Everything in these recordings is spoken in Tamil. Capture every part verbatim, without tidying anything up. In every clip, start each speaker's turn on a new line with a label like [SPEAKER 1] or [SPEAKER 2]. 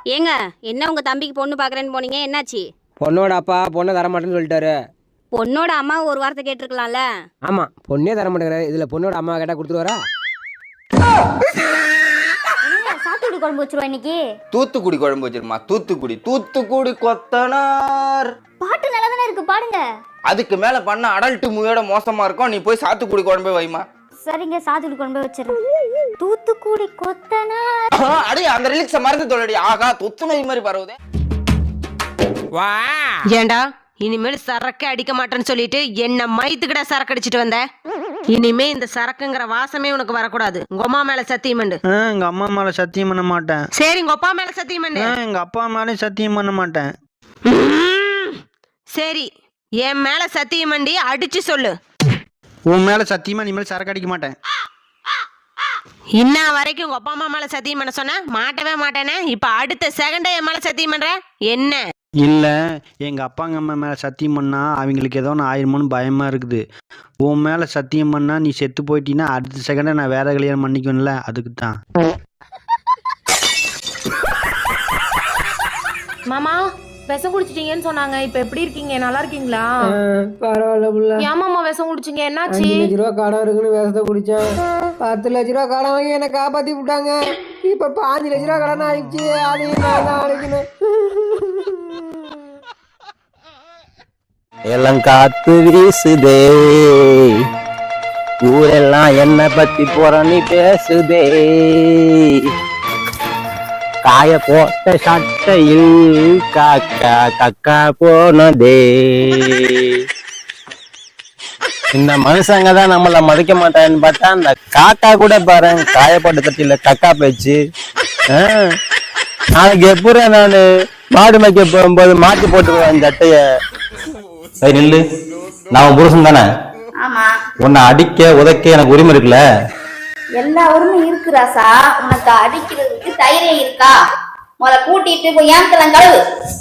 [SPEAKER 1] ஏங்க என்ன உங்க தம்பிக்கு பொண்ணு பாக்குறேன்னு போனீங்க, என்னாச்சு?
[SPEAKER 2] பொண்ணோட அப்பா பொண்ணை தரமாட்டேன்னு சொல்லிட்டாரு.
[SPEAKER 1] பொண்ணோட அம்மா ஒரு வார்த்தை கேட்டிருக்கலாம்ல.
[SPEAKER 2] ஆமா, பொண்ணே தர மாட்டேங்கிறாரு. இதுல பொண்ணோட அம்மா கேட்டா கொடுத்துருவாரா?
[SPEAKER 3] சாத்துக்குடி குழம்பு வச்சிருவா இன்னைக்கு.
[SPEAKER 4] தூத்துக்குடி குழம்பு வச்சிருமா. தூத்துக்குடி தூத்துக்குடி கொத்தனார்
[SPEAKER 3] பாட்டு நல்லா தானே இருக்கு, பாடுங்க.
[SPEAKER 4] அதுக்கு மேல பண்ண அடல்ட் மூவியோட மோசமா இருக்கும். நீ போய் சாத்துக்குடி குழம்பே வைமா.
[SPEAKER 3] சரிங்க, சாத்துக்குடி குழம்பு வச்சிருக்கேன். தூத்துக்குடி கொத்தனார்.
[SPEAKER 4] அடே அந்த ரிலிக்ஸ மறந்து தோலடி. ஆகா, தொத்து நோய் மாதிரி பரவுதே.
[SPEAKER 5] வா ஏண்டா இனிமேல் சரக்கு அடிக்க மாட்டேன்னு சொல்லிட்டு என்ன மைத்துக்கிட்ட சரக்கு அடிச்சிட்டு வந்த. இனிமே இந்த சரக்குங்கிற வாசமே உனக்கு வரக்கூடாது. உங்க அம்மா மேல சத்தியம் பண்ணு.
[SPEAKER 6] எங்க அம்மா மேல சத்தியம் பண்ண மாட்டேன்.
[SPEAKER 5] சரி, உங்க அப்பா மேல சத்தியம் பண்ணு.
[SPEAKER 6] எங்க அப்பா மேல சத்தியம் பண்ண மாட்டேன்.
[SPEAKER 5] சரி, என் மேல சத்தியம் பண்ணி அடிச்சு சொல்லு.
[SPEAKER 6] உன் மேல சத்தியமா இனிமேல் சரக்கு அடிக்க மாட்டேன்.
[SPEAKER 5] இன்ன வரைக்கும் உங்க அப்பா அம்மா மேல சத்தியம் பண்ண சொன்ன மாட்டவே மாட்டேனே. இப்ப அடுத்த செகண்டே என் மேல சத்தியம் பண்ற என்ன?
[SPEAKER 6] இல்ல, எங்க அப்பாங்க அம்மா மேல சத்தியம் பண்ணா அவங்களுக்கு ஏதோ ஒன்று ஆயிருமோன்னு பயமா இருக்குது. உன் மேல சத்தியம் பண்ணா நீ செத்து போயிட்டீன்னா அடுத்த செகண்டா நான் வேற கல்யாணம் பண்ணிக்கணும்ல, அதுக்கு தான்.
[SPEAKER 7] மாமா விஷம் குடிச்சிட்டீங்கன்னு சொன்னாங்க. இப்ப எப்படி இருக்கீங்க? நல்லா இருக்கீங்களா?
[SPEAKER 2] பரவாயில்ல புள்ள.
[SPEAKER 7] ஏமாமா விஷம் குடிச்சிங்க? என்னாச்சு?
[SPEAKER 2] அஞ்சு லட்ச ரூபா கடன் இருக்குன்னு விஷத்தை குடிச்சேன். பத்து லட்ச ரூபா கடன் வாங்கி என்னை காப்பாத்தி விட்டாங்க. இப்ப பாஞ்சு லட்ச ரூபா கடன் ஆயிடுச்சு. அதையும் நான் தான் அடைக்கணும்.
[SPEAKER 8] எல்லாம் காத்து வீசுதே, ஊரெல்லாம் என்ன பத்தி போறன்னு பேசுதே. காய போட்ட சட்டையில் காக்கா கக்கா போனதே. இந்த மனுஷங்க தான் நம்மள மதிக்க மாட்டான்னு பார்த்தா அந்த காக்கா கூட பாரு காயப்பட்ட தட்டில கக்கா பேச்சு. நாளைக்கு எப்படி நானு மாடு மேய்க்க போகும்போது மாட்டி போட்டுருவேன் சட்டைய. நில்லு, நான் புருஷன் தானே. உன்னை அடிக்க உதைக்க எனக்கு உரிமை இருக்குல்ல?
[SPEAKER 3] எல்லா உரிமை இருக்கு ராசா. உனக்கு அடிக்கிறதுக்கு தைரியம் இருக்கா? முதல்ல கூட்டிட்டு போய் ஏன் கழுவு.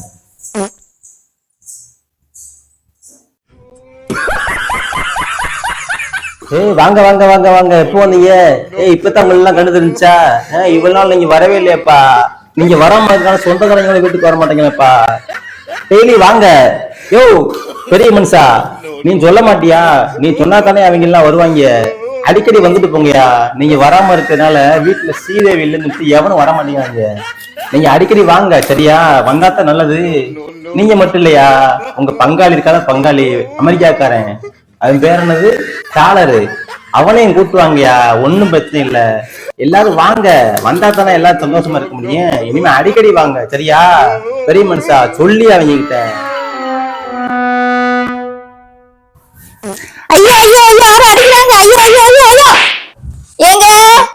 [SPEAKER 8] ஏய் வாங்க வாங்க வாங்க வாங்க, எப்போ வந்தீங்க? ஏய் இப்பதான் உங்க எல்லாம் கண்டு தெரிஞ்சா? இவ்வளவு நாள் நீங்க வரவே இல்லையாப்பா. நீங்க வராம இருக்கான சொந்தக்காரங்களை வீட்டுக்கு வர மாட்டீங்களப்பா. டெய்லி வாங்க. யோ பெரிய மனுஷா, நீ சொல்ல மாட்டியா? நீ சொன்னா தானே அவங்க எல்லாம் வருவாங்க. அடிக்கடி வந்துட்டு போங்கயா. நீங்க வராம இருக்கிறதுனால வீட்டுல சீதேவி இல்லைன்னு எவனும் வர மாட்டேங்கிறாங்க. நீங்க அடிக்கடி வாங்க, சரியா? வந்தாத்தான் நல்லது. நீங்க மட்டும் இல்லையா, உங்க பங்காளி இருக்காத பங்காளி அமெரிக்காக்காரன், அது பேர் என்னது, டாலரு, அவனையும் கூட்டுவாங்கயா. ஒன்னும் பிரச்சனை இல்ல. எல்லாரும் வாங்க, வந்தா தானே எல்லாரும் சந்தோஷமா இருக்க முடியும். இனிமே அடிக்கடி வாங்க, சரியா? பெரிய மனுஷா சொல்லி அவங்க கிட்ட.
[SPEAKER 3] ஐயோ ஐயோ ஐயோ, யாரும் அடிக்கிறாங்க. ஐயோ ஐயோ ஐயோ ஐயோ. ஏங்க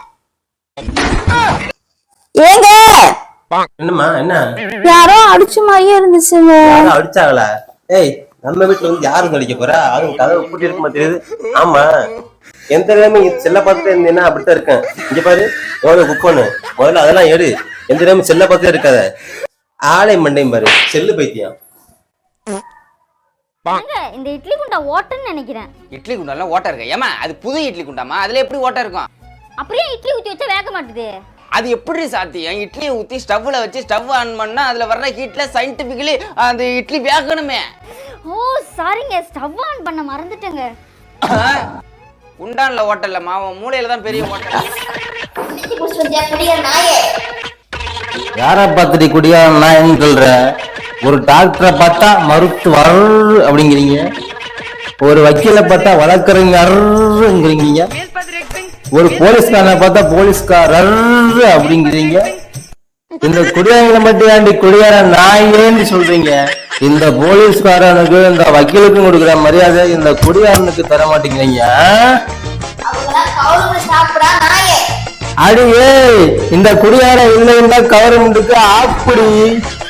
[SPEAKER 3] ஏங்க,
[SPEAKER 8] என்னம்மா என்ன?
[SPEAKER 3] யாரோ அடிச்ச மாதிரியே இருந்துச்சுங்க.
[SPEAKER 8] யாரும் அடிச்சாங்களா? ஏய் நம்ம வீட்டுல வந்து யாரும் அடிக்க போறா? அதுவும் கதவை பூட்டி இருக்க மாட்டேங்குது. ஆமா, எந்த நேரமும் செல்ல பார்த்துட்டு இருந்தீங்கன்னா அப்படித்தான் இருக்கேன். இங்க பாரு, எவ்வளவு குப்பன்னு முதல்ல அதெல்லாம் எடு. எந்த நேரமும் செல்ல பார்த்துட்டே இருக்காத. ஆளை மண்டையும் பாரு, செல்லு பைத்தியம்.
[SPEAKER 3] இந்த இட்லி குண்டா ஓட்டன்னு நினைக்கிறேன்.
[SPEAKER 4] இட்லி குண்டாலாம் ஓட்ட இருக்கு. ஏமா அது புது இட்லி குண்டாமா? அதுல எப்படி ஓட்ட இருக்கும்?
[SPEAKER 3] அப்படியே இட்லி ஊத்தி வச்சா வேக மாட்டுது.
[SPEAKER 4] அது எப்படி சாத்தியம்? இட்லியை ஊத்தி ஸ்டவ்ல வச்சு ஸ்டவ் ஆன் பண்ணா அதுல வர்ற ஹீட்ல சயின்டிபிக்கலி அந்த இட்லி வேகணுமே.
[SPEAKER 3] ஓ சாரிங்க, ஸ்டவ் ஆன் பண்ண மறந்துட்டேங்க.
[SPEAKER 4] குண்டான்ல ஓட்டல மாவ, மூளையில தான் பெரிய ஓட்டல்.
[SPEAKER 8] யார பார்த்துட்டு குடியா நான் சொல்ற? ஒரு டாக்டரை பார்த்தா மருத்துவர் அப்படிங்கிறீங்க, ஒரு வக்கீலை பார்த்தா வழக்கறிஞர்ங்கிறீங்க, ஒரு போலீஸ்காரனை பார்த்தா போலீஸ்காரர் அப்படிங்கிறீங்க. இந்த குடியாரங்களை மட்டும் ஏண்டி குடியார நாயேன்னு சொல்றீங்க? இந்த போலீஸ்காரனுக்கு இந்த வக்கீலுக்கும் கொடுக்குற மரியாதை இந்த குடியாரனுக்கு தர மாட்டேங்கிறீங்க. அடியே, இந்த குடியார இல்லைன்னா கவர்மெண்ட்டுக்கு ஆப்படி.